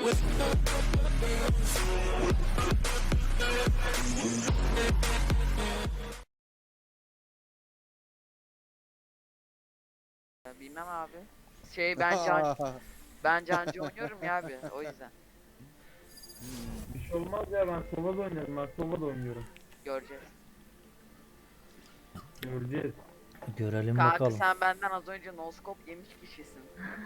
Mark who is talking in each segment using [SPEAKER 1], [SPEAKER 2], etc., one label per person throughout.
[SPEAKER 1] Bilmem abi. Ben cancı oynuyorum ya abi o yüzden.
[SPEAKER 2] Bir şey olmaz ya, ben solo da oynuyorum, ben solo da oynuyorum.
[SPEAKER 1] Göreceğiz.
[SPEAKER 2] Göreceğiz.
[SPEAKER 3] Görelim
[SPEAKER 1] Kanka
[SPEAKER 3] bakalım.
[SPEAKER 1] sen benden az önce noskop yemiş kişisin.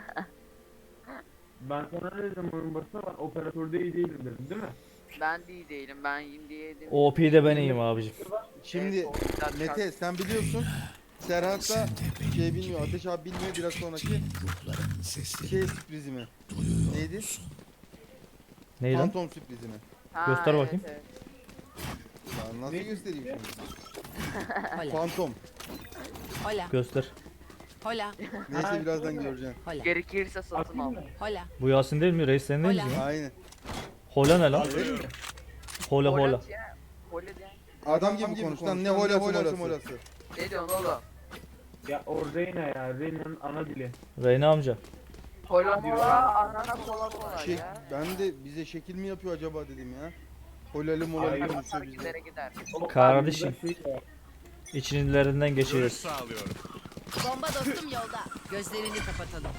[SPEAKER 2] Ben sana ne dedim oyun başında, ben operatörde iyi değilim dedim değil mi?
[SPEAKER 1] Ben de iyi değilim. Ben iyiyim diye yedim.
[SPEAKER 3] OP'de ben iyiyim abicim.
[SPEAKER 4] Şimdi
[SPEAKER 1] Evet, o yüzden
[SPEAKER 4] Mete sen biliyorsun. Serhat da şey bilmiyor, Ateş abi bilmiyor, biraz sonraki şey sürprizi mi? Neydi?
[SPEAKER 3] Ney lan?
[SPEAKER 4] Phantom sürprizi mi?
[SPEAKER 1] Ha,
[SPEAKER 3] Göster
[SPEAKER 1] evet,
[SPEAKER 3] bakayım.
[SPEAKER 1] evet.
[SPEAKER 4] Ya nasıl göstereyim şimdi?
[SPEAKER 5] Hola.
[SPEAKER 4] Phantom.
[SPEAKER 5] Hola.
[SPEAKER 3] Göster.
[SPEAKER 5] Hola.
[SPEAKER 4] Neyse birazdan göreceksin.
[SPEAKER 5] Hola.
[SPEAKER 1] Gerekirse satın
[SPEAKER 2] Atayım
[SPEAKER 1] al.
[SPEAKER 2] mı?
[SPEAKER 5] Hola.
[SPEAKER 3] Bu Yasin değil mi? Reis sen değil
[SPEAKER 5] Hola.
[SPEAKER 3] misin?
[SPEAKER 4] Aynen.
[SPEAKER 3] Hola ne lan?
[SPEAKER 4] Öyle mi?
[SPEAKER 3] Hola hola.
[SPEAKER 1] Polat ya, Polat ya.
[SPEAKER 4] Adam gibi konuş lan, ne hola holası molası.
[SPEAKER 1] Ne diyorsun oğlum?
[SPEAKER 2] Ya o Reyna ya, Reyna'nın ana dili.
[SPEAKER 3] Reyna amca.
[SPEAKER 1] Pola mola, anana kola kola
[SPEAKER 4] Şey,
[SPEAKER 1] ya.
[SPEAKER 4] ben de bize şekil mi yapıyor acaba dedim ya. Holalı molalı
[SPEAKER 2] Hayır.
[SPEAKER 4] konuşuyor bizde.
[SPEAKER 1] Takipleri gider.
[SPEAKER 2] Oğlum,
[SPEAKER 3] Kardeşim.
[SPEAKER 2] abi, burada şey var.
[SPEAKER 3] İçinlerinden
[SPEAKER 6] Görüş
[SPEAKER 3] geçiyoruz.
[SPEAKER 6] sağlıyorum.
[SPEAKER 5] Bomba dostum yolda. Gözlerini kapatalım.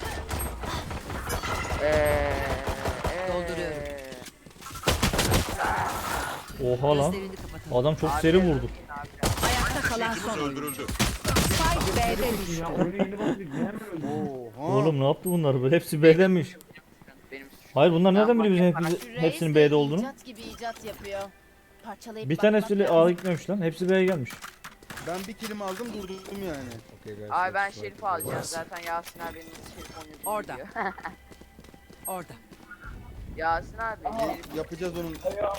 [SPEAKER 5] Dolduruyorum.
[SPEAKER 3] Oha lan.
[SPEAKER 5] Gözlerini kapatalım.
[SPEAKER 3] Adam çok seri vurdu.
[SPEAKER 5] Ayakta kalan son oyuncu.
[SPEAKER 6] Öldürüldü.
[SPEAKER 5] Spike B'de düştü.
[SPEAKER 2] Ya oyunu yeni başladık, niye hemen öldün?
[SPEAKER 4] Oha.
[SPEAKER 3] Oğlum ne yaptı bunlar böyle? Hepsi B'denmiş.
[SPEAKER 1] Benim suçum.
[SPEAKER 3] Hayır bunlar nereden
[SPEAKER 1] Ben
[SPEAKER 3] biliyor bizim
[SPEAKER 1] manyak
[SPEAKER 3] hepsinin B'de olduğunu?
[SPEAKER 7] İcat gibi icat yapıyor. Parçalayıp
[SPEAKER 3] Bir
[SPEAKER 7] bakmak
[SPEAKER 3] tanesiyle
[SPEAKER 7] lazım.
[SPEAKER 3] A'ya gitmemiş lan. Hepsi B'ye gelmiş.
[SPEAKER 4] Ben bir kilim aldım durdum yani.
[SPEAKER 1] Ay ben Şerif alacağım zaten Yasin abi benim Şerif oynuyor.
[SPEAKER 5] Orada. Orada.
[SPEAKER 1] Yasin abi. Şerif-
[SPEAKER 4] Yapacağız onun.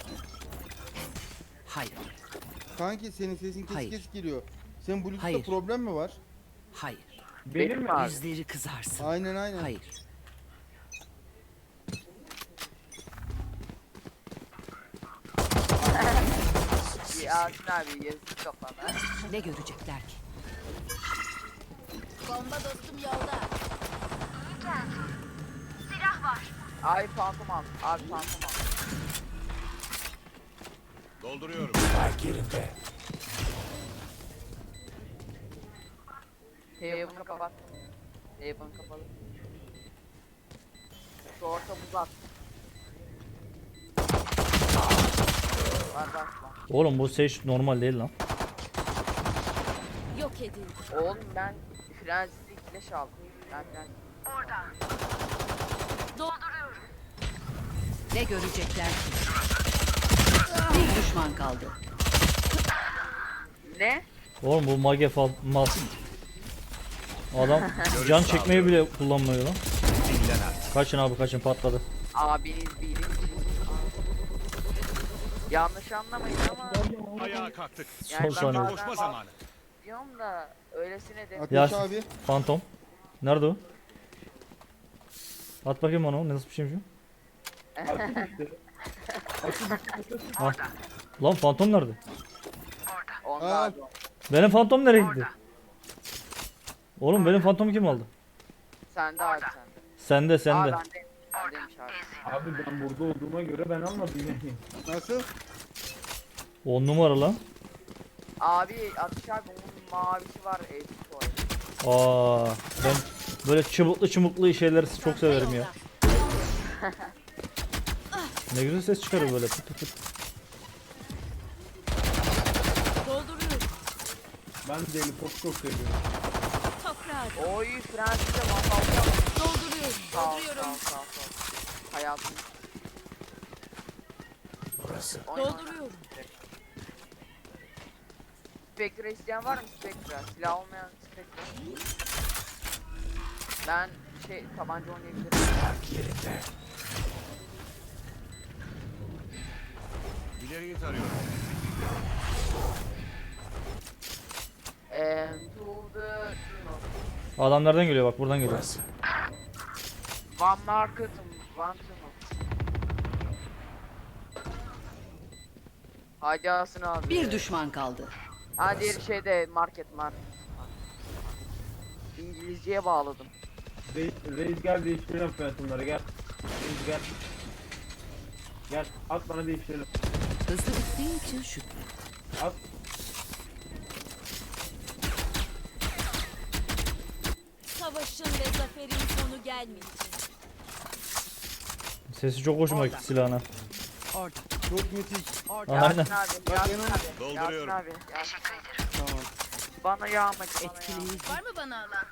[SPEAKER 5] Hayır.
[SPEAKER 4] Kanki senin sesin kesik
[SPEAKER 5] Hayır.
[SPEAKER 4] kesik geliyor. Senin Bluetooth'ta
[SPEAKER 5] Hayır.
[SPEAKER 4] problem mi var?
[SPEAKER 5] Hayır.
[SPEAKER 2] Benim mi abi?
[SPEAKER 5] Yüzleri kızarsın.
[SPEAKER 4] Aynen aynen.
[SPEAKER 5] Hayır.
[SPEAKER 1] Yasin abi yazık kafana.
[SPEAKER 5] Ne görecekler ki?
[SPEAKER 7] Bomba dostum yolda.
[SPEAKER 1] Abi fantom al. Abi fantom al.
[SPEAKER 6] Dolduruyorum.
[SPEAKER 1] Heaven'ı kapattım. Heaven kapalı. Şu orta buz at. Var var.
[SPEAKER 3] Oğlum bu Sage normal değil lan.
[SPEAKER 7] Yok edildi.
[SPEAKER 1] Oğlum ben Frenzy'de flash aldım. Ben Frenzy.
[SPEAKER 5] Ne görecekler ki? Bir düşman kaldı.
[SPEAKER 1] Ne?
[SPEAKER 3] Oğlum bu mage mal. Adam can çekmeyi bile kullanmıyor lan.
[SPEAKER 6] Dinlen artık.
[SPEAKER 3] Kaçın abi kaçın patladı.
[SPEAKER 1] Abiniz bilir. Yanlış anlamayın ama
[SPEAKER 6] Ayağa kalktık.
[SPEAKER 3] Son
[SPEAKER 1] ben
[SPEAKER 3] saniye.
[SPEAKER 1] bazen
[SPEAKER 6] Koşma zamanı.
[SPEAKER 1] diyorum da öylesine de.
[SPEAKER 4] Ateş
[SPEAKER 3] Yasin.
[SPEAKER 4] abi.
[SPEAKER 3] Phantom. Nerede o? At bakayım onu. Nasıl bir şeymiş o? Ah. Lan Phantom nerede?
[SPEAKER 1] Onda
[SPEAKER 4] Aa.
[SPEAKER 1] abi.
[SPEAKER 3] Benim Phantom nereye gitti? Oğlum benim Phantom'u kim aldı?
[SPEAKER 1] Sende abi sende.
[SPEAKER 3] Sende
[SPEAKER 1] Aa
[SPEAKER 3] sende.
[SPEAKER 1] bende. Bendeymiş abi.
[SPEAKER 2] Abi ben burada olduğuma göre ben almadım yani.
[SPEAKER 4] Nasıl?
[SPEAKER 3] 10 numara lan.
[SPEAKER 1] Abi Atış abi onun mavisi var eski var.
[SPEAKER 3] Aa, ben böyle çubuklu şeyleri çok severim ya. Ne güzel ses çıkarıyor böyle pıt pıt pıt.
[SPEAKER 7] Dolduruyorum.
[SPEAKER 2] Ben deli pop çok seviyorum.
[SPEAKER 7] Toprağa.
[SPEAKER 1] Oy Fransızca masal.
[SPEAKER 7] Dolduruyorum.
[SPEAKER 1] Sağ ol
[SPEAKER 7] Dolduruyorum.
[SPEAKER 1] sağ ol. Hayatım.
[SPEAKER 7] Dolduruyorum.
[SPEAKER 1] Spectre isteyen var mı Spectre? Silah olmayan Spectre. Ben tabanca oynayabilirim.
[SPEAKER 6] İleriyi tarıyorum.
[SPEAKER 1] To the
[SPEAKER 3] Adam nereden geliyor bak buradan geliyor.
[SPEAKER 1] One market, one to. Hadi Yasin abi.
[SPEAKER 5] Bir düşman kaldı.
[SPEAKER 1] Ha diğer şeyde market. İngilizceye bağladım.
[SPEAKER 2] Reis gel değiştirelim fiyatları gel. Reis gel. Gel at bana değiştirelim.
[SPEAKER 5] Hızlı bittiği için şükür.
[SPEAKER 2] At.
[SPEAKER 7] Savaşın ve zaferin sonu gelmeyecek.
[SPEAKER 3] Sesi çok hoşuma gitti silahına.
[SPEAKER 5] Orada.
[SPEAKER 4] Çok müthiş.
[SPEAKER 5] Orada.
[SPEAKER 3] Aynen.
[SPEAKER 1] Yasin abi, Yasin
[SPEAKER 4] Benim-
[SPEAKER 1] abi,
[SPEAKER 6] Dolduruyorum.
[SPEAKER 1] Yasin abi, Yasin abi.
[SPEAKER 4] Tamam.
[SPEAKER 1] Bana yağmacı, bana yağmacı.
[SPEAKER 5] Etkileyici.
[SPEAKER 7] Var mı bana alan?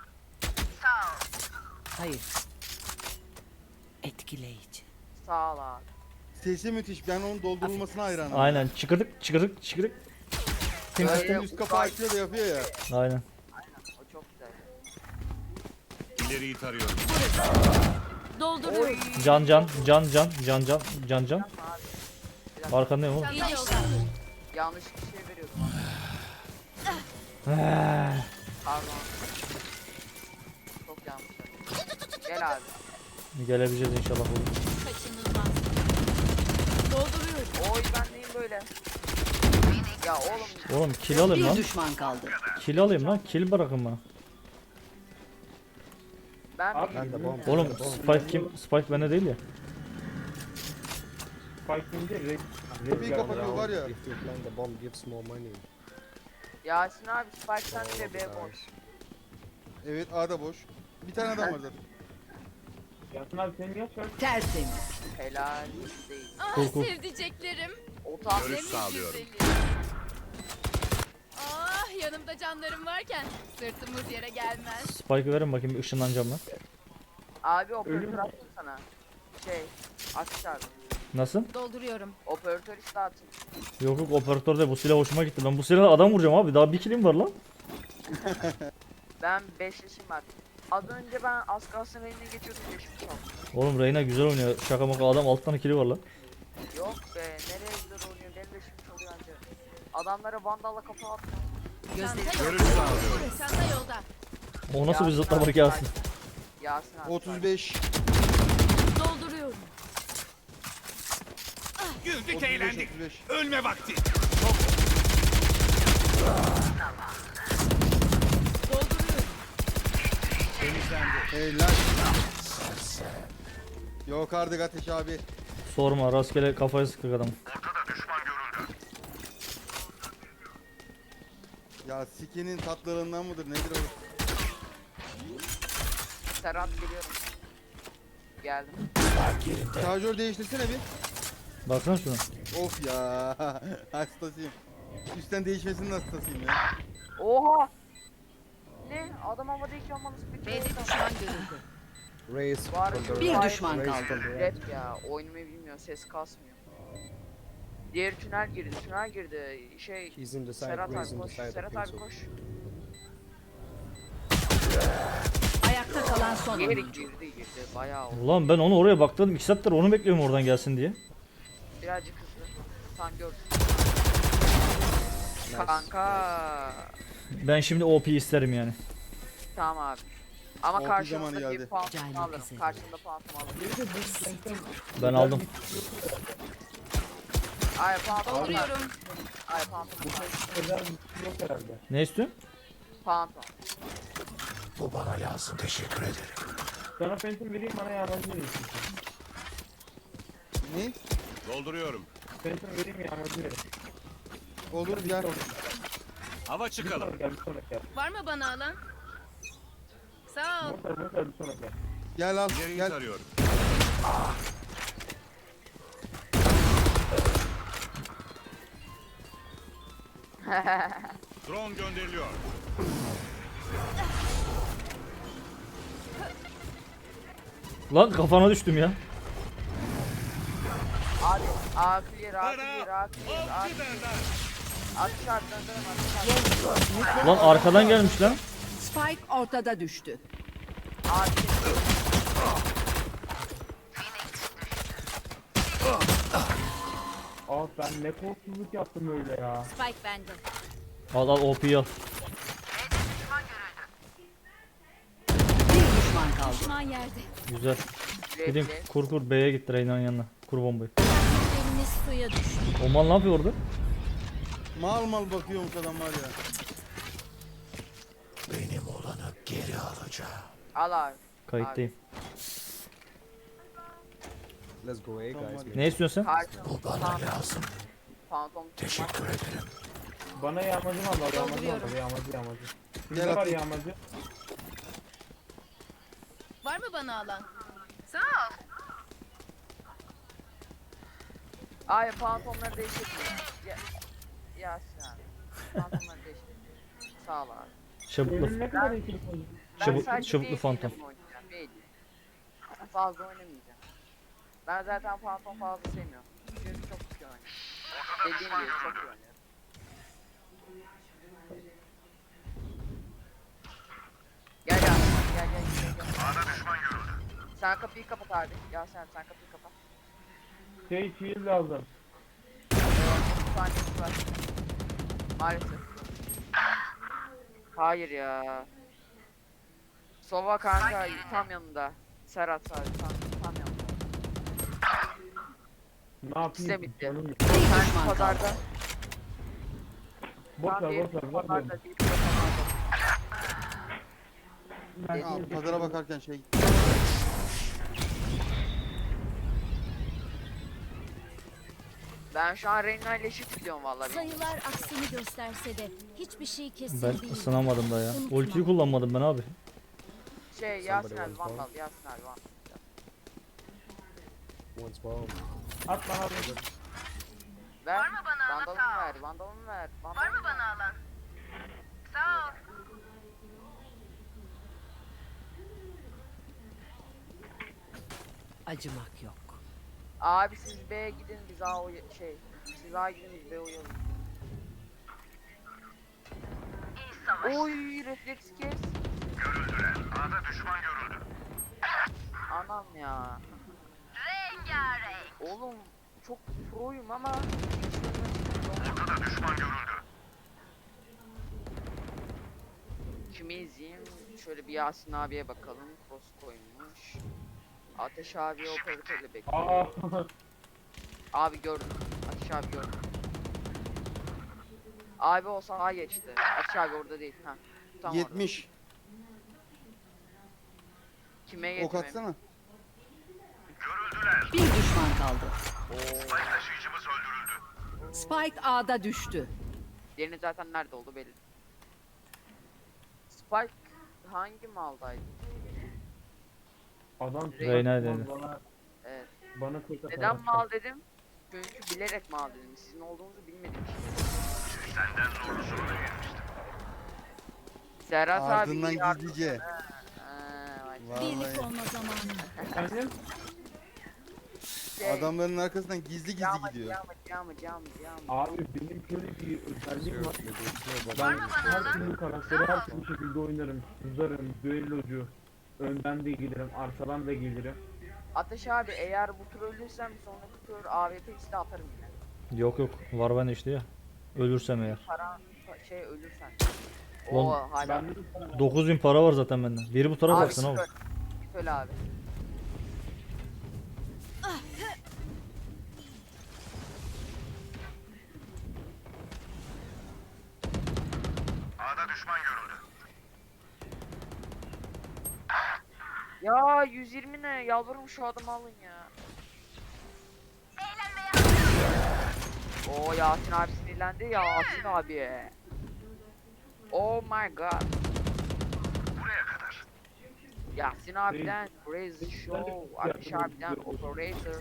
[SPEAKER 5] Hayır. Etkileyici.
[SPEAKER 1] Sağ ol abi.
[SPEAKER 4] Sesi müthiş. Ben onun doldurulmasına hayranım.
[SPEAKER 3] Aynen. Çıkırdık çıkırdık çıkırdık.
[SPEAKER 4] Zaten üst kapağı açıyor da yapıyor ya.
[SPEAKER 3] Aynen.
[SPEAKER 1] O çok güzel.
[SPEAKER 6] İleriyi tarıyorum.
[SPEAKER 7] Dolduruyorum.
[SPEAKER 3] Can can can can can can can can.
[SPEAKER 1] Abi. Bir dakika,
[SPEAKER 3] Arkandayım oğlum.
[SPEAKER 7] İyi yolda.
[SPEAKER 1] yanlış bir şey veriyordum.
[SPEAKER 3] Ah,
[SPEAKER 1] Pardon. Çok yanlış verdim. Gel abi.
[SPEAKER 3] Gelebileceğiz inşallah oğlum.
[SPEAKER 7] Kaçınılmaz. Dolduruyorum.
[SPEAKER 1] Oy ben neyim böyle? Ya oğlum
[SPEAKER 3] Oğlum kill alayım
[SPEAKER 5] Bir
[SPEAKER 3] lan.
[SPEAKER 5] düşman kaldı.
[SPEAKER 3] Kill alayım lan. Kill bırakın bana.
[SPEAKER 1] ben
[SPEAKER 2] At.
[SPEAKER 3] Oğlum Spike kim? Spike bende değil ya.
[SPEAKER 2] Spike ince red.
[SPEAKER 4] Kapıyı kapatıyor var ya.
[SPEAKER 1] Yasin abi Spike sen de B boş.
[SPEAKER 4] Evet A'da boş. Bir tane adam var zaten.
[SPEAKER 2] Yasin abi senin yaş kaç?
[SPEAKER 5] Tertemiz.
[SPEAKER 1] Helal değil.
[SPEAKER 7] Ah
[SPEAKER 3] Cool, cool.
[SPEAKER 7] sevdiceklerim.
[SPEAKER 1] O tam
[SPEAKER 6] Görüş
[SPEAKER 7] Temiz
[SPEAKER 6] sağlıyorum.
[SPEAKER 7] güzeli. Ah yanımda canlarım varken sırtımız yere gelmez.
[SPEAKER 3] Spike'ı verin bakayım bir ışınlanacağım lan.
[SPEAKER 1] abi operatör attım sana. Şey Aksiş abi.
[SPEAKER 3] Nasıl?
[SPEAKER 7] Dolduruyorum.
[SPEAKER 1] Operatör işte attım.
[SPEAKER 3] Yok yok operatör de bu silah hoşuma gitti. Ben bu silahla adam vuracağım abi. Daha bir killim var lan.
[SPEAKER 1] Ben 5 yaşım var. Az önce ben az kalsın eline geçiyordum geçmiş oldum.
[SPEAKER 3] Oğlum Reyna güzel oynuyor. Şaka maka adam 6 tane kili var lan.
[SPEAKER 1] Yok be nereye güzel oynuyor benim de şimdi oluyor anca. Adamlara vandalla kafa attım.
[SPEAKER 5] Gözleri
[SPEAKER 7] Çanta
[SPEAKER 6] Görüş
[SPEAKER 7] yolda.
[SPEAKER 6] sağlıyorum.
[SPEAKER 7] Çanta yolda.
[SPEAKER 3] O nasıl bir zıplamak Yasin?
[SPEAKER 1] Yasin abi.
[SPEAKER 4] 35.
[SPEAKER 1] Dolduruyorum.
[SPEAKER 6] Güldük
[SPEAKER 4] 35,
[SPEAKER 6] eğlendik.
[SPEAKER 4] 35.
[SPEAKER 6] Ölme vakti.
[SPEAKER 7] Dolduruyorum.
[SPEAKER 4] Helal. Yok artık Ateş abi.
[SPEAKER 3] Sorma rastgele kafaya sıkık adam.
[SPEAKER 4] Ya sikinin tatlılığından mıdır nedir o?
[SPEAKER 1] Serhat geliyorum. Geldim.
[SPEAKER 4] Şarjör değiştirsene bir.
[SPEAKER 3] Baksana şuna.
[SPEAKER 4] Of ya. Hastasıyım. Üstten değişmesinin hastasıyım ya.
[SPEAKER 1] Oha! Ne? Adam havadayken bana split
[SPEAKER 5] B'de
[SPEAKER 1] oldu.
[SPEAKER 5] düşman görüldü.
[SPEAKER 1] Var
[SPEAKER 5] Bir
[SPEAKER 1] var-
[SPEAKER 5] düşman kaldı.
[SPEAKER 1] Rap ya oynamayı bilmiyor ses kasmıyor. Diğer tünel girdi şey Serhat abi koş Serhat abi koş.
[SPEAKER 5] Ayakta kalan son
[SPEAKER 1] Geri
[SPEAKER 5] oyuncu.
[SPEAKER 1] girdi bayağı oldu.
[SPEAKER 3] Ulan ben onu oraya baktım 2 saattir onu bekliyorum oradan gelsin diye.
[SPEAKER 1] Birazcık hızlı. Sen gördün. Kanka.
[SPEAKER 3] Ben şimdi OP isterim yani.
[SPEAKER 1] Tamam abi. Ama
[SPEAKER 4] Orta
[SPEAKER 1] karşımda
[SPEAKER 4] zamanı
[SPEAKER 1] bir
[SPEAKER 4] geldi.
[SPEAKER 1] pantolon
[SPEAKER 5] Cahil
[SPEAKER 1] alırım.
[SPEAKER 5] kesin.
[SPEAKER 1] Karşımda pantolon alırım.
[SPEAKER 3] Ben aldım.
[SPEAKER 1] Ay pantolon.
[SPEAKER 7] Dolduruyorum.
[SPEAKER 1] Ay pantolon.
[SPEAKER 2] Özel bir şey yok herhalde.
[SPEAKER 3] Ne istiyorsun?
[SPEAKER 1] Pantolon.
[SPEAKER 2] Sana Phantom vereyim bana yağmacı vereyim.
[SPEAKER 4] Ne?
[SPEAKER 6] Dolduruyorum.
[SPEAKER 2] Phantom vereyim yağmacı vereyim.
[SPEAKER 4] Olur gel.
[SPEAKER 6] Hava
[SPEAKER 2] Bir
[SPEAKER 6] çıkalım.
[SPEAKER 2] sonraki gel bir sonraki gel.
[SPEAKER 7] Var mı bana alan? Sağ ol.
[SPEAKER 2] Motor bir sonraki gel.
[SPEAKER 4] Gel al
[SPEAKER 6] İleriyi
[SPEAKER 4] gel.
[SPEAKER 6] tarıyorum. Drone gönderiliyor.
[SPEAKER 3] Lan kafana düştüm ya.
[SPEAKER 1] Abi A clear A clear A clear A
[SPEAKER 6] Avcı derler.
[SPEAKER 1] Atış abi döndürüm atış abi.
[SPEAKER 3] Lan arkadan gelmiş lan.
[SPEAKER 5] Spike ortada düştü.
[SPEAKER 1] A clear.
[SPEAKER 2] Aa ben ne korkusuzluk yaptım öyle ya.
[SPEAKER 7] Spike bende.
[SPEAKER 3] Al al OP'yi al.
[SPEAKER 5] Bir düşman kaldı.
[SPEAKER 7] Düşman yerde.
[SPEAKER 3] Güzel. Gideyim kur kur B'ye gitti Reyna'nın yanına. Kur bombayı.
[SPEAKER 7] Eliniz suya düştü.
[SPEAKER 3] Oman ne yapıyor orada?
[SPEAKER 4] Mal mal bakıyormuş adam var ya.
[SPEAKER 1] Al abi.
[SPEAKER 3] Kayıttayım.
[SPEAKER 8] Let's go A
[SPEAKER 4] Tamam,
[SPEAKER 8] guys.
[SPEAKER 4] hadi.
[SPEAKER 8] man.
[SPEAKER 3] Ne istiyorsun sen?
[SPEAKER 1] Karşım. Bana lazım. Phantom. Teşekkür ederim.
[SPEAKER 2] Bana yağmacı mı al? Yağmacı mı
[SPEAKER 5] Dolduruyorum.
[SPEAKER 2] al? Yağmacı.
[SPEAKER 4] Gel
[SPEAKER 2] Kimde var
[SPEAKER 4] atayım.
[SPEAKER 2] yağmacı?
[SPEAKER 7] Var mı bana alan?
[SPEAKER 1] Ay Phantom'ları değiştirmiyor. Yasin abi. Phantom'ları değiştirmiyor. Sağ ol abi.
[SPEAKER 3] Çabuklu.
[SPEAKER 2] Benim ne kadar ekip oldu?
[SPEAKER 3] Çabuklu
[SPEAKER 1] Bailey'le
[SPEAKER 3] Phantom.
[SPEAKER 1] oynayacağım, Bailey. Fazla oynamayacağım. Ben zaten Phantom fazla sevmiyorum. Çünkü çok iyi oynuyor. Dediğim gibi çok iyi oynuyor. Gel gel gel. Sen kapıyı kapat abi. Ya sen kapıyı kapat.
[SPEAKER 2] Shield lazım.
[SPEAKER 1] 30 saniyesi var. Maalesef. Hayır ya. Sova kanka tam yanında. Serhat abi tam yanında.
[SPEAKER 2] Ne yapayım?
[SPEAKER 1] İkisi bitti.
[SPEAKER 2] Canım yok.
[SPEAKER 5] Bir
[SPEAKER 1] Sen
[SPEAKER 5] düşman
[SPEAKER 1] pazarda.
[SPEAKER 5] kaldı.
[SPEAKER 2] Boş ver
[SPEAKER 1] diğeri
[SPEAKER 2] boş ver.
[SPEAKER 1] pazarda, diğeri pazarda.
[SPEAKER 4] Aa, pazara bakarken şey.
[SPEAKER 1] Ben şu an Reyna ile eşit gidiyorum vallahi.
[SPEAKER 9] Sayılar aksini gösterse de hiçbir şey kesin
[SPEAKER 3] Ben
[SPEAKER 9] değil.
[SPEAKER 3] ısınamadım da ya.
[SPEAKER 9] Unutma.
[SPEAKER 3] Ultiyi kullanmadım ben abi.
[SPEAKER 1] Şey Yasin abi vandal Yasin abi vandal.
[SPEAKER 8] One spawn.
[SPEAKER 2] At bana bir.
[SPEAKER 1] Ver. Vandalımı ver. Vandalımı ver. Var mı bana alan? Sağ ol.
[SPEAKER 5] Acımak yok.
[SPEAKER 1] Abi siz B'ye gidin biz A siz A gidin biz B uyalım. Oy refleks kes. Görüldüler. A'da düşman görüldü. Anam ya. Rengarenk. Oğlum çok proyum ama ortada düşman görüldü. Kimi izleyeyim? Şöyle bir Yasin abiye bakalım. Cross koymuş. Ateş abi operatörle bekliyor.
[SPEAKER 2] Aa.
[SPEAKER 1] Abi gördüm. Ateş abi gördüm. Abi o sağa geçti. Ateş abi orada değil. Ha. Tam
[SPEAKER 4] 70.
[SPEAKER 1] Orada. Kime
[SPEAKER 4] Ok
[SPEAKER 1] getirmem?
[SPEAKER 4] atsana.
[SPEAKER 5] Bir düşman kaldı. Spike A'da düştü.
[SPEAKER 1] Diğerinin zaten nerede oldu belli. Spike hangi maldaydı?
[SPEAKER 2] Adam
[SPEAKER 3] Reyna dedi.
[SPEAKER 1] Evet.
[SPEAKER 2] Bana kurt atar.
[SPEAKER 1] Neden mal dedim? Çünkü bilerek mal dedim. Sizin olduğunuzu bilmedim. Senden zorlusunu da gelmiştim. Serhat abi
[SPEAKER 4] Ardından
[SPEAKER 1] iyi yardım-
[SPEAKER 4] gizlice.
[SPEAKER 9] Birlik
[SPEAKER 4] Vallahi.
[SPEAKER 9] olma zamanı.
[SPEAKER 2] Efendim?
[SPEAKER 1] Şey,
[SPEAKER 4] Adamların arkasından gizli gizli gidiyor.
[SPEAKER 1] Yağmacı.
[SPEAKER 2] Abi benim şöyle bir özelliğim var. Ben her türlü karakteri her türlü şekilde oynarım. Sızarım, düellocu. Önden de gelirim, arkadan da gelirim.
[SPEAKER 1] Ateş abi eğer bu tur ölürsem sonraki tur AWP iste atarım yine.
[SPEAKER 3] Yok var bende işte ya. Ölürsem eğer.
[SPEAKER 1] Para ölürsen.
[SPEAKER 3] Lan,
[SPEAKER 1] Oo hala.
[SPEAKER 2] Ben de
[SPEAKER 3] 9000 para var zaten bende. Biri bu tarafa
[SPEAKER 1] Abi
[SPEAKER 3] baksın abi.
[SPEAKER 1] söyle abi. A'da düşman görüldü. Ya 120 ne? Yalvarırım şu adamı alın ya. Oo Yasin abi sinirlendi ya Yasin abi. Oh my god. Buraya kadar. Yasin abiden Crazy Show, Ateş abiden Operator.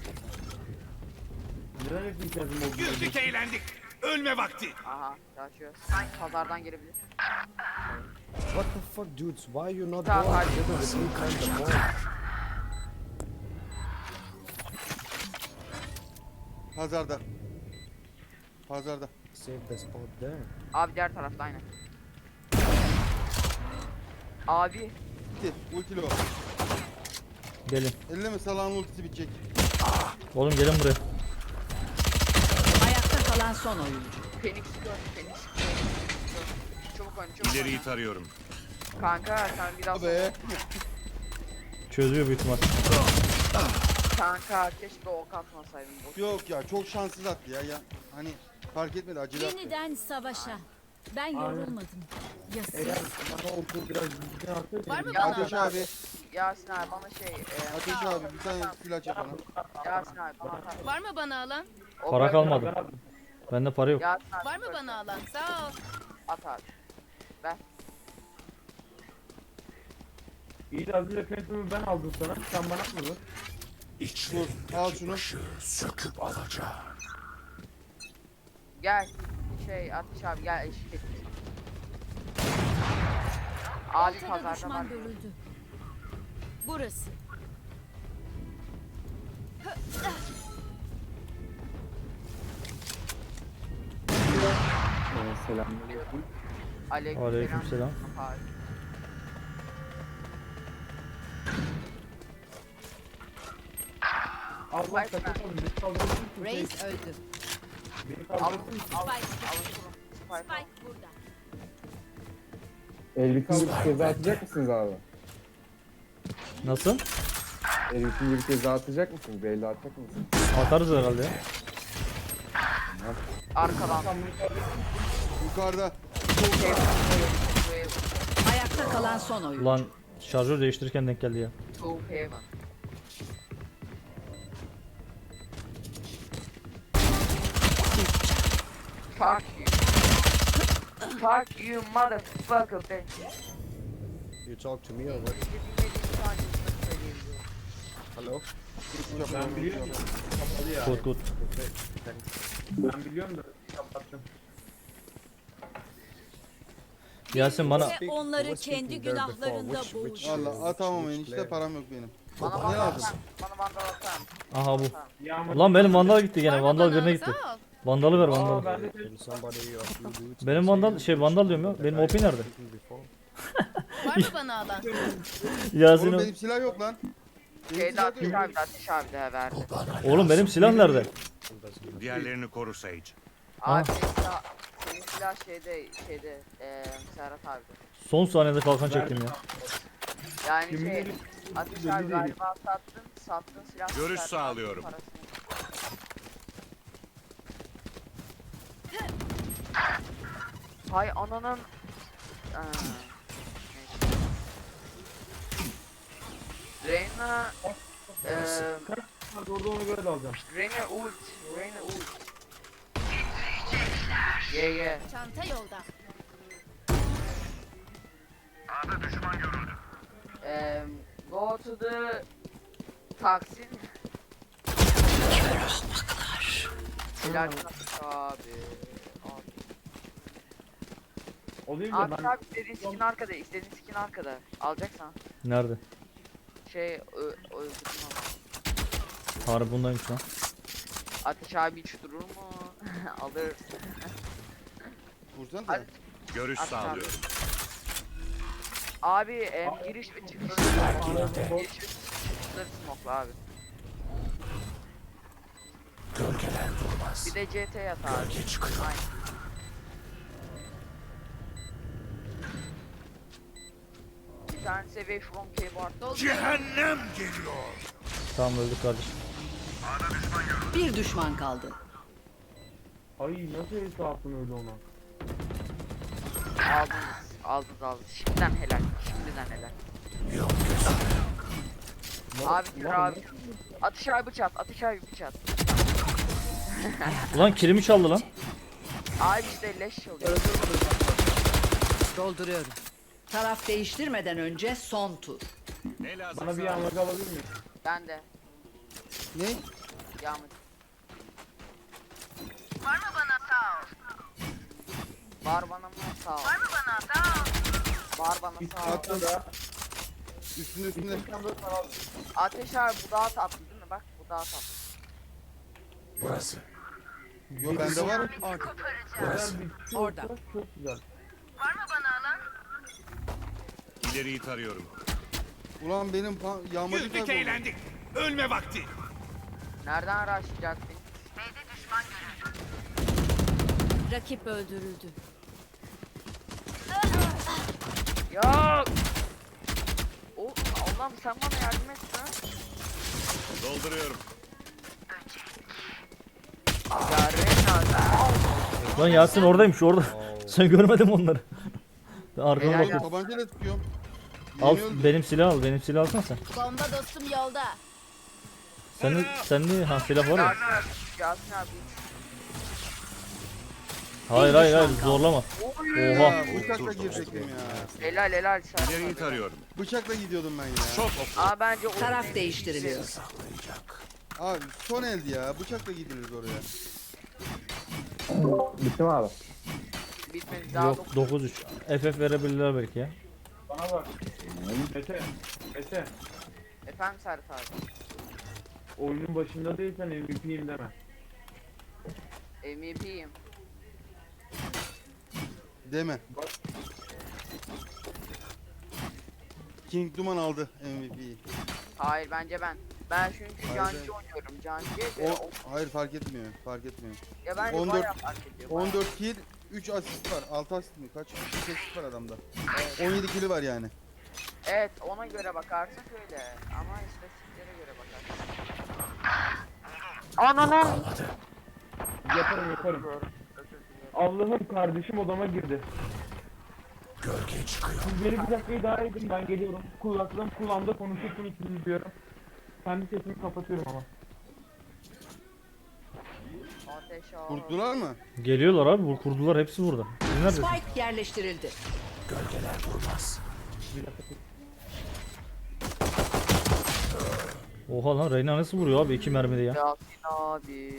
[SPEAKER 2] neden hep ihtiyacım oldu?
[SPEAKER 6] Güldük eğlendik. Ölme vakti.
[SPEAKER 1] Aha yaşıyor. Pazardan gelebilir.
[SPEAKER 8] What the fuck, dudes? Why you not
[SPEAKER 1] Tamam,
[SPEAKER 8] going
[SPEAKER 1] hadi.
[SPEAKER 8] together at the same time? The ball.
[SPEAKER 4] Pazarda. Pazarda.
[SPEAKER 8] Save the spot there.
[SPEAKER 1] Abi diğer tarafta aynen. Abi
[SPEAKER 4] Gitti. Ultili o.
[SPEAKER 3] Gelin.
[SPEAKER 4] Elleme salağın ultisi bitecek.
[SPEAKER 3] Oğlum gelin buraya.
[SPEAKER 5] Ayakta kalan son oyuncu.
[SPEAKER 1] Phoenix gör, Phoenix gör. Çabuk oyna, çabuk
[SPEAKER 6] İleriyi
[SPEAKER 1] oyna.
[SPEAKER 6] tarıyorum.
[SPEAKER 1] Kanka sen biraz
[SPEAKER 4] Be.
[SPEAKER 3] Çözüyor büyük ihtimal.
[SPEAKER 1] kanka keşke ok atmasaydın. Boş.
[SPEAKER 4] Yok ya çok şanssız attı ya. Hani fark etmedi acele attı.
[SPEAKER 9] Yeniden savaşa. Ben yorulmadım. Ya
[SPEAKER 2] Eğer
[SPEAKER 9] siz?
[SPEAKER 2] bana okul biraz düzgün atsaydı.
[SPEAKER 7] Var mı
[SPEAKER 1] Ya
[SPEAKER 7] bana
[SPEAKER 4] Ateş
[SPEAKER 7] alan?
[SPEAKER 4] abi
[SPEAKER 1] Yasin abi bana şey
[SPEAKER 4] Ateş abi bir tane flash yap bana.
[SPEAKER 1] Yasin abi bana atar.
[SPEAKER 7] Var mı bana alan?
[SPEAKER 1] O
[SPEAKER 3] Para
[SPEAKER 1] böyle-
[SPEAKER 3] kalmadı. Bende para yok.
[SPEAKER 1] Yasin abi
[SPEAKER 7] Var mı
[SPEAKER 1] böyle
[SPEAKER 7] bana alan? Sağ ol.
[SPEAKER 1] atar.
[SPEAKER 2] İyi de az önce Phantom'u ben aldım sana. Sen bana atmadın.
[SPEAKER 4] Dur al şunu.
[SPEAKER 1] Gel. Şey Ateş abi gel eşlik et. Abi
[SPEAKER 9] Ortada
[SPEAKER 1] pazarda var.
[SPEAKER 9] düşman görüldü. Burası.
[SPEAKER 2] Selamünaleyküm.
[SPEAKER 3] Aleykümselam.
[SPEAKER 1] Abi.
[SPEAKER 2] Allah
[SPEAKER 1] Vay
[SPEAKER 2] kaçırmadım. Beni kaldırırsın.
[SPEAKER 5] Reis öldü.
[SPEAKER 2] Beni kaldırırsın.
[SPEAKER 9] Spike burada.
[SPEAKER 10] Elbisini bir kez daha atacak mısınız abi?
[SPEAKER 3] Nasıl?
[SPEAKER 10] Elbisini bir kez daha atacak mısınız? Belli atacak mısınız?
[SPEAKER 3] Atarız herhalde ya.
[SPEAKER 1] Arkadan.
[SPEAKER 4] Yukarıda.
[SPEAKER 5] Ayakta kalan son oyun.
[SPEAKER 3] Ulan şarjör değiştirirken denk geldi ya.
[SPEAKER 1] Two Heaven. Fuck you. Fuck you motherfucker bitch.
[SPEAKER 8] You talk to me or what? Hello?
[SPEAKER 2] Ben biliyorum. Kapalı ya.
[SPEAKER 3] Good good.
[SPEAKER 2] Ben biliyorum da kapattım.
[SPEAKER 3] Yasin bana
[SPEAKER 9] Ve onları kendi günahlarında boğuş.
[SPEAKER 4] Valla atamam enişte param yok benim.
[SPEAKER 1] Bana
[SPEAKER 4] Ne
[SPEAKER 1] vandal
[SPEAKER 4] lazım?
[SPEAKER 1] atar. Bana vandal atar.
[SPEAKER 3] aha bu.
[SPEAKER 2] Yağmur.
[SPEAKER 3] Ulan benim vandal gitti
[SPEAKER 7] Var
[SPEAKER 3] gene.
[SPEAKER 7] mı
[SPEAKER 3] Vandal
[SPEAKER 7] bana
[SPEAKER 3] birine
[SPEAKER 7] alan?
[SPEAKER 3] gitti.
[SPEAKER 7] Sağ ol.
[SPEAKER 3] Vandalı ver
[SPEAKER 2] Aa
[SPEAKER 3] vandalı.
[SPEAKER 2] ben de
[SPEAKER 8] Can somebody of you dudes
[SPEAKER 3] Benim vandal şey vandal diyorum ya. Benim OP nerede?
[SPEAKER 7] Var mı bana alan?
[SPEAKER 3] Yasin
[SPEAKER 4] Oğlum
[SPEAKER 3] o-
[SPEAKER 4] benim silah yok lan. Benim
[SPEAKER 1] Şeyde
[SPEAKER 4] silah
[SPEAKER 1] Ateş
[SPEAKER 4] yok.
[SPEAKER 1] abi de Ateş abi de verdi.
[SPEAKER 3] Oğlum benim silah nerede?
[SPEAKER 6] Diğerlerini koru Sage.
[SPEAKER 1] Abi senin silah şeyde Serhat abi.
[SPEAKER 3] Son saniyede kalkan çektim ya.
[SPEAKER 1] Yani
[SPEAKER 2] Kimin
[SPEAKER 1] şey
[SPEAKER 2] eli-
[SPEAKER 1] Ateş
[SPEAKER 2] belli
[SPEAKER 1] abi
[SPEAKER 2] değil.
[SPEAKER 1] galiba sattığın silah.
[SPEAKER 6] Görüş
[SPEAKER 1] Serhat
[SPEAKER 6] sağlıyorum.
[SPEAKER 1] parasını. Hay ananın. Neyse. Reyna
[SPEAKER 2] Orada ona göre de alacağım.
[SPEAKER 1] Reyna ult. Reyna ult. Yeah.
[SPEAKER 7] Çanta yolda.
[SPEAKER 1] Go to the Taksim. Helal olsun abi.
[SPEAKER 2] Olayım da
[SPEAKER 1] Abi
[SPEAKER 2] ben
[SPEAKER 1] abi istediğin skin arkada, istediğin skin arkada. Alacaksan.
[SPEAKER 3] Nerede?
[SPEAKER 1] Şey öldürdüm ama.
[SPEAKER 3] Harbi bundaymış lan.
[SPEAKER 1] Ateş abi hiç durur mu? Alırsın.
[SPEAKER 4] Vursana
[SPEAKER 1] Hadi.
[SPEAKER 4] da.
[SPEAKER 6] Görüş
[SPEAKER 1] At abi.
[SPEAKER 6] sağlıyorum.
[SPEAKER 1] Abi giriş ve çıkış. Giriş ve çıkışları smoke'la abi. Bir de CT yat abi. Aynen. Bir tane seviye from keyboard.
[SPEAKER 6] Cehennem geliyor.
[SPEAKER 3] Tamam öldük kardeşim.
[SPEAKER 5] Bir düşman kaldı.
[SPEAKER 2] ay nasıl el attın öyle ona?
[SPEAKER 1] Aldınız. Şimdiden helal. Abi gir
[SPEAKER 2] Ulan
[SPEAKER 1] abi. Atış abi bıçak.
[SPEAKER 3] Ulan kilimi çaldı lan.
[SPEAKER 1] Abi işte leş çalıyor.
[SPEAKER 5] Dolduruyorum. Taraf değiştirmeden önce son tur.
[SPEAKER 6] Ne lazım?
[SPEAKER 2] Bana bir yağmur alabilir miyim?
[SPEAKER 1] Ben de.
[SPEAKER 4] Ne?
[SPEAKER 1] Yağmur. Var mı bana sağ ol? Var bana sağ ol.
[SPEAKER 4] Attım. Üstünde.
[SPEAKER 1] Ateş abi bu daha tatlı değil mi? Bak bu daha tatlı.
[SPEAKER 4] Yo bende var.
[SPEAKER 5] Orada.
[SPEAKER 2] Çok güzel.
[SPEAKER 6] İleriyi tarıyorum.
[SPEAKER 4] Ulan benim yağmacı
[SPEAKER 6] Güldük
[SPEAKER 4] kayboldu.
[SPEAKER 6] eğlendik. Ölme vakti.
[SPEAKER 1] Nereden araştıracaksın?
[SPEAKER 9] Rakip öldürüldü.
[SPEAKER 1] Yok. O Allah'ım sen bana yardım et lan.
[SPEAKER 6] Dolduruyorum.
[SPEAKER 1] Ya Reyna.
[SPEAKER 3] Lan Yasin oradaymış orada. Sen görmedin mi onları? Ben arkadan
[SPEAKER 1] Helal
[SPEAKER 3] bakıyorum.
[SPEAKER 4] Tabancayla tutuyorum.
[SPEAKER 3] Al
[SPEAKER 4] Yeni öldü.
[SPEAKER 3] benim silah al. Benim silah alsana sen.
[SPEAKER 7] Bomba dostum yolda.
[SPEAKER 3] Sen de ha silah var ya.
[SPEAKER 1] Yasin abi. Yasin abi.
[SPEAKER 3] Hayır zorlama. Oha.
[SPEAKER 4] Ya, bıçakla girecektim ya.
[SPEAKER 1] Helal sen.
[SPEAKER 6] İleriyi tarıyorum.
[SPEAKER 4] Bıçakla gidiyordum ben ya.
[SPEAKER 6] Çok oku.
[SPEAKER 1] Aa bence o
[SPEAKER 5] Taraf değiştiriliyor.
[SPEAKER 4] Abi son eldi ya. Bıçakla gidilir oraya.
[SPEAKER 10] Bitti mi abi?
[SPEAKER 1] bitmedi daha
[SPEAKER 3] Yok 9-3. FF verebilirler belki ya.
[SPEAKER 2] Bana bak. Mete.
[SPEAKER 1] Efendim Serhat abi.
[SPEAKER 2] Oyunun başında değilsen MVP'yim deme.
[SPEAKER 1] MVP'yim.
[SPEAKER 4] Deme. King Duman aldı MVP'yi.
[SPEAKER 1] Hayır bence ben. Ben çünkü
[SPEAKER 4] Hayır,
[SPEAKER 1] cancı oynuyorum. Cancı'ya
[SPEAKER 4] O,
[SPEAKER 1] göre
[SPEAKER 4] hayır fark etmiyor. Fark etmiyor.
[SPEAKER 1] ya bence
[SPEAKER 4] 14
[SPEAKER 1] bayağı fark ediyor. bayağı.
[SPEAKER 4] 14 kill, 3 asist var. 6 asist mi? Kaç? 3 asist var adamda. 17 kill'i var yani.
[SPEAKER 1] Evet ona göre bakarsak öyle. Ama istatistiklere göre bakarsak. Ananı.
[SPEAKER 2] Yaparım. Allah'ım kardeşim odama girdi. Siz beni bir dakikayı daha edin, ben geliyorum. Kulağımda konuşursunuz sizi diyorum. Kendi sesimi kapatıyorum ama.
[SPEAKER 1] Ateş al.
[SPEAKER 4] Kurttular mı?
[SPEAKER 3] Geliyorlar abi. Bu kurdular hepsi burada. Siz neredesiniz?
[SPEAKER 5] Spike yerleştirildi.
[SPEAKER 3] Oha lan Reyna nasıl vuruyor abi 2 mermide ya.
[SPEAKER 1] Yasin abi.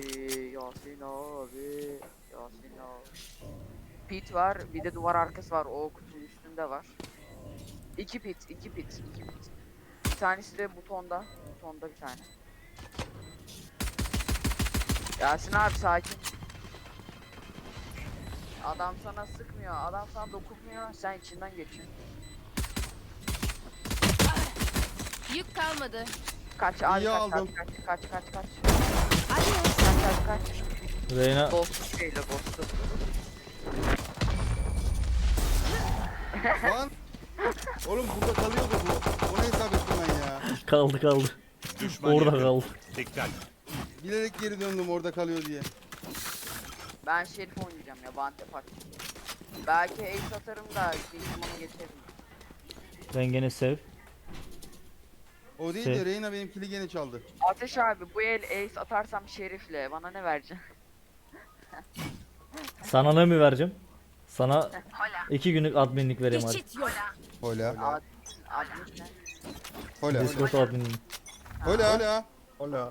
[SPEAKER 1] Pit var, bir de duvar arkası var. O kutunun üstünde var. İki pit. Bir tanesi de butonda. Butonda bir tane. Yasin abi sakin. Adam sana sıkmıyor, adam sana dokunmuyor, sen içinden geçiyorsun.
[SPEAKER 7] Yük kalmadı.
[SPEAKER 1] Kaç abi
[SPEAKER 4] İyi
[SPEAKER 1] kaç,
[SPEAKER 4] aldım.
[SPEAKER 1] kaç.
[SPEAKER 7] Adios.
[SPEAKER 1] Kaç.
[SPEAKER 3] Reyna
[SPEAKER 1] Ghost'u şeyle ghost'u.
[SPEAKER 4] Lan! Oğlum burada kalıyordu bu. Ona hesap ettim ben ya.
[SPEAKER 3] kaldı.
[SPEAKER 6] Düşman
[SPEAKER 3] Orada
[SPEAKER 6] yakın.
[SPEAKER 3] kaldı.
[SPEAKER 6] Dikkat.
[SPEAKER 4] Bilerek geri döndüm orada kalıyor diye.
[SPEAKER 1] Ben Şerif oynayacağım ya, Bante Park. Belki ace atarım da Kingdom'u geçerim.
[SPEAKER 3] Ben gene sev.
[SPEAKER 4] O değil
[SPEAKER 3] Şey.
[SPEAKER 4] de Reyna benim kili gene çaldı.
[SPEAKER 1] Ateş abi bu el ace atarsam Şerif'le bana ne vereceksin?
[SPEAKER 3] Sana ne mi vereceğim? Sana 2 günlük adminlik vereyim hadi.
[SPEAKER 9] Geçit yok.
[SPEAKER 4] Hola.
[SPEAKER 1] Admin ne?
[SPEAKER 4] Hola.
[SPEAKER 3] Discord adminliği.
[SPEAKER 4] Hola.
[SPEAKER 8] Hola.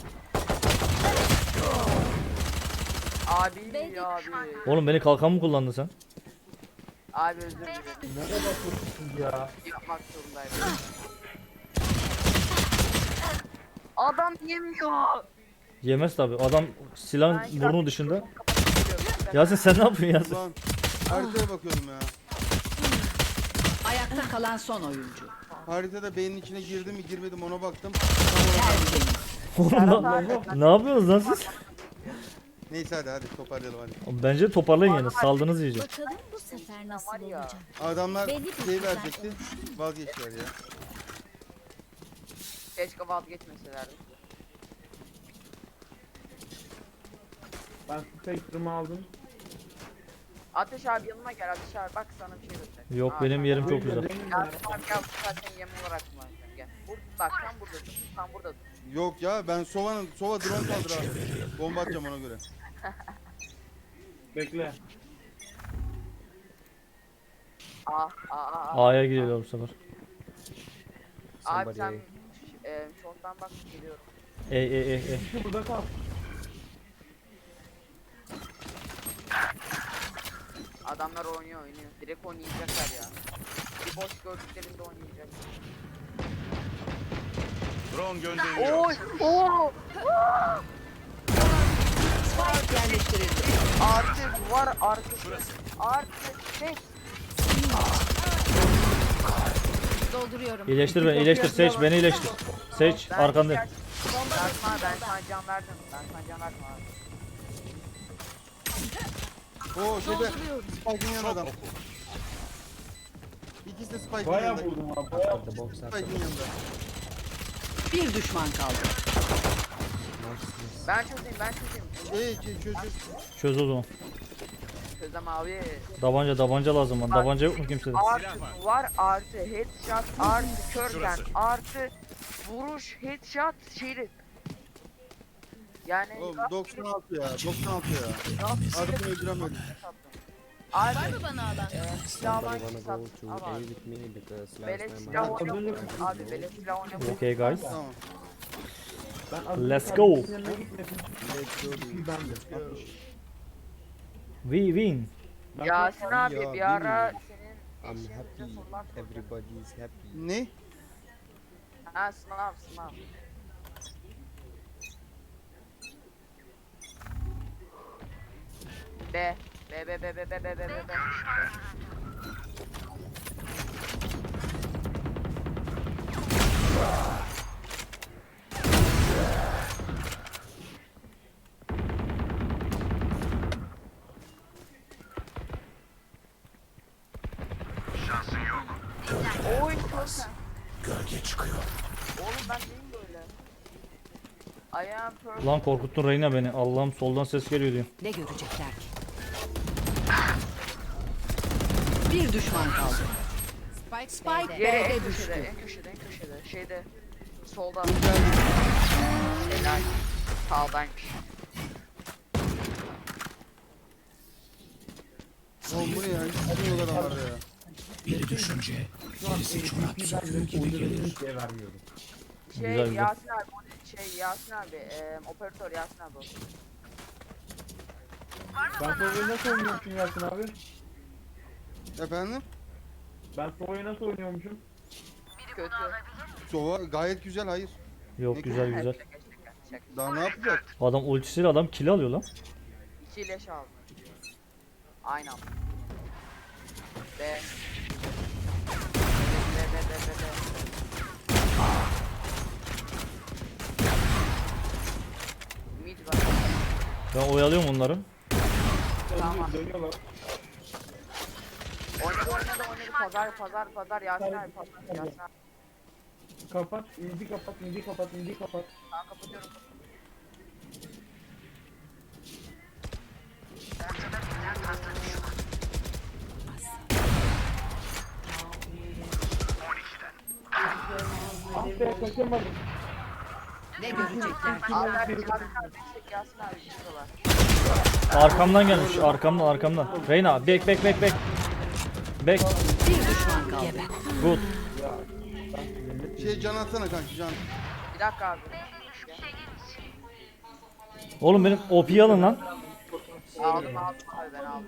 [SPEAKER 1] Abi.
[SPEAKER 3] Oğlum beni kalkan mı kullandın sen?
[SPEAKER 1] Abi özür dilerim.
[SPEAKER 2] Nereye bakıyorsunuz ya?
[SPEAKER 1] Yapmak zorundayım. Adam yemiyor.
[SPEAKER 3] Yemez tabi. Adam silahın
[SPEAKER 1] Ben
[SPEAKER 3] burnu
[SPEAKER 1] şarkı
[SPEAKER 3] dışında.
[SPEAKER 1] kapatıyorum.
[SPEAKER 3] Yasin sen ne yapıyorsun Yasin?
[SPEAKER 4] Ulan haritaya bakıyordum ya.
[SPEAKER 5] Ayakta kalan son oyuncu.
[SPEAKER 4] Haritada beynin içine girdi mi girmedim ona baktım.
[SPEAKER 5] Tertemiz.
[SPEAKER 3] Oğlum ne yapıyorsunuz lan siz?
[SPEAKER 4] Neyse hadi toparlayalım hadi.
[SPEAKER 3] Bence toparlayın yani. Saldınız iyice.
[SPEAKER 9] Bakalım bu sefer nasıl olacak.
[SPEAKER 4] Adamlar
[SPEAKER 9] Belli bir
[SPEAKER 4] şey
[SPEAKER 9] sefer
[SPEAKER 4] verecekti. Vazgeçtiler ya.
[SPEAKER 1] Keşke vazgeçmeselerdi.
[SPEAKER 2] Ben Spectrum'u aldım.
[SPEAKER 1] Ateş abi yanıma gel Ateş abi bak sana bir şey göstereyim.
[SPEAKER 3] Yok
[SPEAKER 1] Aa,
[SPEAKER 3] benim
[SPEAKER 1] tamam.
[SPEAKER 3] yerim çok güzel.
[SPEAKER 1] Gel abi gel bu zaten yem olarak kullanacağım gel. Bak tam burada dur. Tam burada dur.
[SPEAKER 4] Yok ya ben Sova drone kaldır ha. Bomba atacağım ona göre.
[SPEAKER 2] Bekle.
[SPEAKER 3] A'ya gidiyorlar bu sefer.
[SPEAKER 1] Abi
[SPEAKER 8] Somebody
[SPEAKER 1] sen
[SPEAKER 8] A.
[SPEAKER 1] şorttan bak geliyorum.
[SPEAKER 2] Şu burada kal.
[SPEAKER 1] Adamlar oynuyor. Direkt oynayacaklar ya. Bir boş gördüklerinde oynayacak.
[SPEAKER 6] Drone gönderiliyor.
[SPEAKER 1] Oy! Oo!
[SPEAKER 5] Spike yerleştirildi.
[SPEAKER 1] Artık var arkası. Artık şey.
[SPEAKER 7] Dolduruyorum.
[SPEAKER 3] İyileştir beni, iyileştir. Seç beni iyileştir. Seç arkandayım.
[SPEAKER 1] Ben sana can verdim. Ben sana can verdim abi.
[SPEAKER 4] Oo şeyde Spike'ın yanında adam. İkisi de Spike'ın
[SPEAKER 2] Bayağı
[SPEAKER 4] yanında.
[SPEAKER 2] vurdum abi. Bayağı.
[SPEAKER 8] The box after.
[SPEAKER 4] Spike'ın yanında.
[SPEAKER 5] Bir düşman kaldı.
[SPEAKER 1] Ben çözeyim.
[SPEAKER 4] Çöz.
[SPEAKER 3] Çöz o zaman.
[SPEAKER 1] Çözem abi.
[SPEAKER 3] Tabanca lazım bana. Tabanca yok mu kimsede?
[SPEAKER 1] Artı var artı headshot artı körken
[SPEAKER 6] Şurası.
[SPEAKER 1] artı vuruş headshot şeyli. Yani
[SPEAKER 4] Oğlum 96 ya 96 ya. Adamı öldüremedim.
[SPEAKER 1] Abi
[SPEAKER 7] Var mı bana alan?
[SPEAKER 1] silah var
[SPEAKER 8] Somebody
[SPEAKER 1] ki
[SPEAKER 8] wanna go
[SPEAKER 1] sattın
[SPEAKER 8] to
[SPEAKER 1] ama
[SPEAKER 8] A with me because
[SPEAKER 1] beleş
[SPEAKER 8] last time
[SPEAKER 1] silah
[SPEAKER 8] I
[SPEAKER 1] oynamıyor. Abi beleş silah oynamıyor.
[SPEAKER 3] Okay guys.
[SPEAKER 4] Tamam.
[SPEAKER 2] Ben az
[SPEAKER 3] Let's
[SPEAKER 2] önce
[SPEAKER 3] go.
[SPEAKER 2] kardeşinin yanına gitmedim.
[SPEAKER 4] Let's go.
[SPEAKER 2] Bir bende. 60.
[SPEAKER 3] We win.
[SPEAKER 2] Ben
[SPEAKER 1] Yasin
[SPEAKER 8] Ya,
[SPEAKER 1] abi bir ara
[SPEAKER 8] bilmiyorum.
[SPEAKER 1] senin
[SPEAKER 8] I'm
[SPEAKER 1] eşeğinize
[SPEAKER 8] happy.
[SPEAKER 1] sorular soracağım.
[SPEAKER 8] Everybody is happy.
[SPEAKER 4] Ne?
[SPEAKER 1] Ha sınav. B. Oy çok gölge çıkıyor. Oğlum ben neyim böyle? I am perfect.
[SPEAKER 3] Lan korkuttun Reyna beni. Allah'ım soldan ses geliyor diyor.
[SPEAKER 5] Ne görecekler ki? Bir düşman kaldı. Spike
[SPEAKER 1] Yere
[SPEAKER 5] B'de
[SPEAKER 1] en
[SPEAKER 5] düştü.
[SPEAKER 1] köşede, en köşede. Şeyde, solda.
[SPEAKER 4] Dur geldim.
[SPEAKER 1] Helal. Sağdaymış.
[SPEAKER 4] Oğlum bu ne ya? Hiç bilmiyorlar adamlar ya.
[SPEAKER 2] şu an MVP ben oynadığım hiç vermiyorum.
[SPEAKER 3] Güzel, güzel.
[SPEAKER 1] Yasin abi, operatör Yasin abi olsun.
[SPEAKER 2] Ben Sova'yı nasıl oynuyormuşum Yasin abi?
[SPEAKER 4] Efendim?
[SPEAKER 2] Ben Sova'yı nasıl oynuyormuşum?
[SPEAKER 1] Kötü.
[SPEAKER 4] Sova gayet güzel hayır.
[SPEAKER 3] Yok güzel.
[SPEAKER 1] Şaka.
[SPEAKER 4] Daha ne yapacak?
[SPEAKER 3] Adam ultisiyle adam kill alıyor lan.
[SPEAKER 1] 2 leş aldı. Aynen. B. Mid var.
[SPEAKER 3] Ben oyalıyorum onları.
[SPEAKER 1] Tamam.
[SPEAKER 2] Dönüyorlar.
[SPEAKER 1] Oynadı. Pazar Yasin abi. Yasin abi.
[SPEAKER 2] Kapat, indi kapat.
[SPEAKER 1] Ben kapatıyorum.
[SPEAKER 2] Ah be kaçamadım.
[SPEAKER 5] Ne görecekler ki?
[SPEAKER 1] Abi Yasin abi gidiyorlar.
[SPEAKER 3] Arkamdan gelmiş. Arkamdan. Reyna back. Back.
[SPEAKER 5] Bir düşman kaldı.
[SPEAKER 3] Good.
[SPEAKER 4] Can atsana kanki can.
[SPEAKER 1] Bir dakika abi.
[SPEAKER 3] Oğlum benim OP'yi alın lan.
[SPEAKER 1] Aldım abi ben aldım.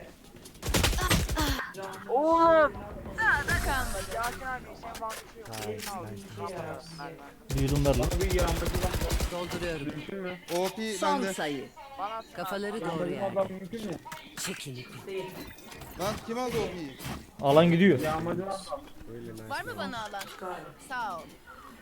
[SPEAKER 1] Oğlum.
[SPEAKER 7] Kalmadı.
[SPEAKER 1] Yasin abi sen bakışıyor.
[SPEAKER 3] Büyüdüm ver lan.
[SPEAKER 2] Bir yağmacıdan
[SPEAKER 5] Dolduruyorum.
[SPEAKER 2] mümkün mü?
[SPEAKER 4] OP
[SPEAKER 5] Son
[SPEAKER 4] bende.
[SPEAKER 5] sayı.
[SPEAKER 1] Bana
[SPEAKER 5] Kafaları doğru
[SPEAKER 2] Yağmacıdan
[SPEAKER 5] yerde.
[SPEAKER 2] adam mümkün mü?
[SPEAKER 5] Çekilin.
[SPEAKER 4] Lan kim aldı OP'yi?
[SPEAKER 3] Alan gidiyor.
[SPEAKER 2] Yağmacıdan adam.
[SPEAKER 8] Really nice.
[SPEAKER 7] Var mı bana alan? Sağ ol.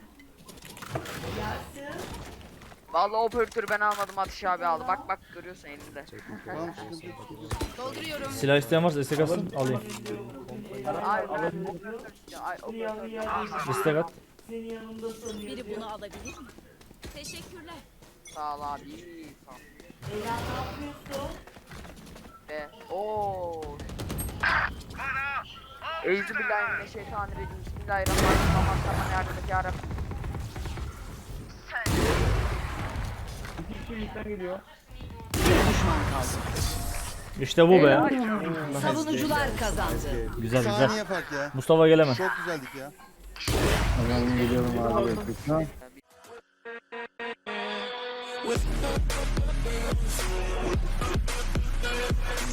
[SPEAKER 1] Vallahi operatörü ben almadım Atış abi aldı. Bak görüyorsun elinde.
[SPEAKER 4] Tamam sıkıntı yok.
[SPEAKER 7] Dolduruyorum.
[SPEAKER 3] Silah isteyen varsa istek atsın alayım.
[SPEAKER 1] Ay ben operatör istiyorum. Ay operatör.
[SPEAKER 3] İstek at.
[SPEAKER 7] Biri bunu alabilir mi? Teşekkürler.
[SPEAKER 1] Sağ ol abi. Sağ ol. Ve ooo. Euzubillahimineşşeytanirracim. Bismillahirrahmanirrahim. Aman yardım et ya Rabbi.
[SPEAKER 2] İki kişi üstten geliyor.
[SPEAKER 5] Bir düşman kaldı.
[SPEAKER 3] İşte bu be.
[SPEAKER 5] Savunucular kazandı.
[SPEAKER 3] Güzel.
[SPEAKER 4] Saniye fark ya.
[SPEAKER 3] Mustafa geleme.
[SPEAKER 4] Çok güzeldik ya.
[SPEAKER 10] Ben geliyorum abi. Lütfen.